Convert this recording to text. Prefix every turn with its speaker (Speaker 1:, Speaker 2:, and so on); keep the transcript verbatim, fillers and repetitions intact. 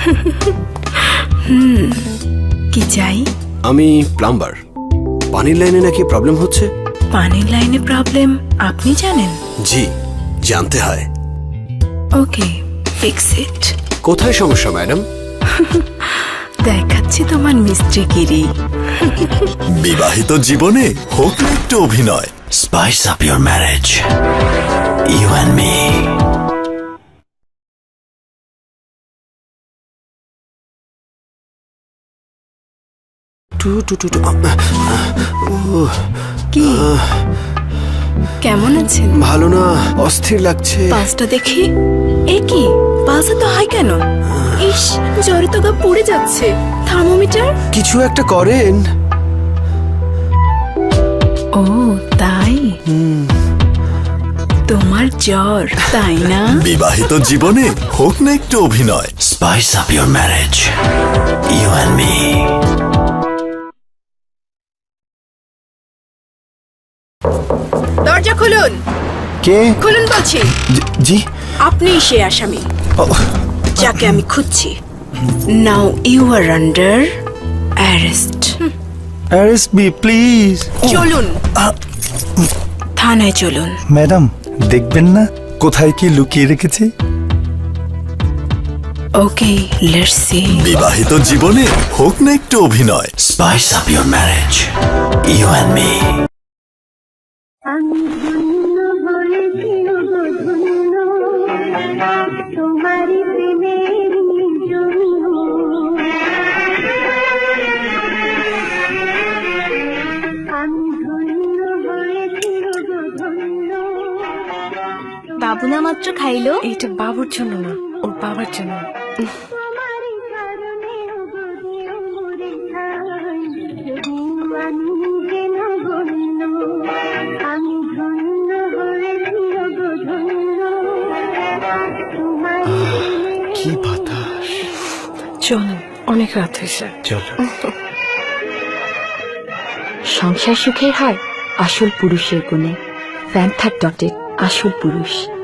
Speaker 1: হুম কি চাই?
Speaker 2: আমি প্লাম্বার। পানির লাইনে নাকি প্রবলেম হচ্ছে।
Speaker 1: পানির লাইনে প্রবলেম আপনি জানেন?
Speaker 2: জি, জানতে হয়।
Speaker 1: Okay, fix it.
Speaker 2: কোথায় সমস্যা ম্যাডাম?
Speaker 1: দেখাচ্ছি তোমার মিস্ত্রিগিরি।
Speaker 3: বিবাহিত জীবনে হোক না একটু অভিনয়। Spice up your marriage, you and me.
Speaker 2: টু টু টু টু।
Speaker 1: কি কেমন আছেন?
Speaker 2: ভালো না, অস্থির লাগছে।
Speaker 1: পাঁচটা দেখি। এ কি পাঁচে তো হাই কেন? ইস, জ্বরে তো গা পুড়ে যাচ্ছে। থার্মোমিটার?
Speaker 2: কিছু একটা করেন।
Speaker 1: ও তাই, তোমার জ্বর তাই না?
Speaker 3: বিবাহিত জীবনে হোক না একটু অভিনয়। Spice up your marriage, you and me.
Speaker 1: দরজা খুলুন।
Speaker 4: কে?
Speaker 1: খুলুন বলছি।
Speaker 4: জি।
Speaker 1: আপনি সে আসামি যাকে আমি খুঁজছি। Now you are under arrest.
Speaker 4: Arrest me please.
Speaker 1: চলুন থানায় চলুন।
Speaker 4: ম্যাডাম দেখবেন না কোথায় কি লুকিয়ে রেখেছি?
Speaker 1: Okay, let's see.
Speaker 3: বিবাহিত জীবনে হোক না একটু অভিনয়। Spice up your marriage, you and me.
Speaker 5: আমি ধন্য বলেছি গো ধন্য, তোমারই প্রেমের জন্য। আমি ধন্য হয়েছি গো ধন্য।
Speaker 6: বাবু না মাত্র খাইলো।
Speaker 7: এইটা বাবুর জন্য না, ওর বাবার জন্য।
Speaker 5: তোমারই কারণে গো দিও মোরে ঠাই, যদিও আমি যেন গণ্য। আমি ধন্য হয়েছি গো ধন্য, তোমারই প্রেমের।
Speaker 4: কি বাতাস।
Speaker 7: চলো, অনেক রাত হয়েছে।
Speaker 4: চলো।
Speaker 6: সংসার সুখের হয় আসল পুরুষের গুণে। প্যান্থার ডটের আসল পুরুষ।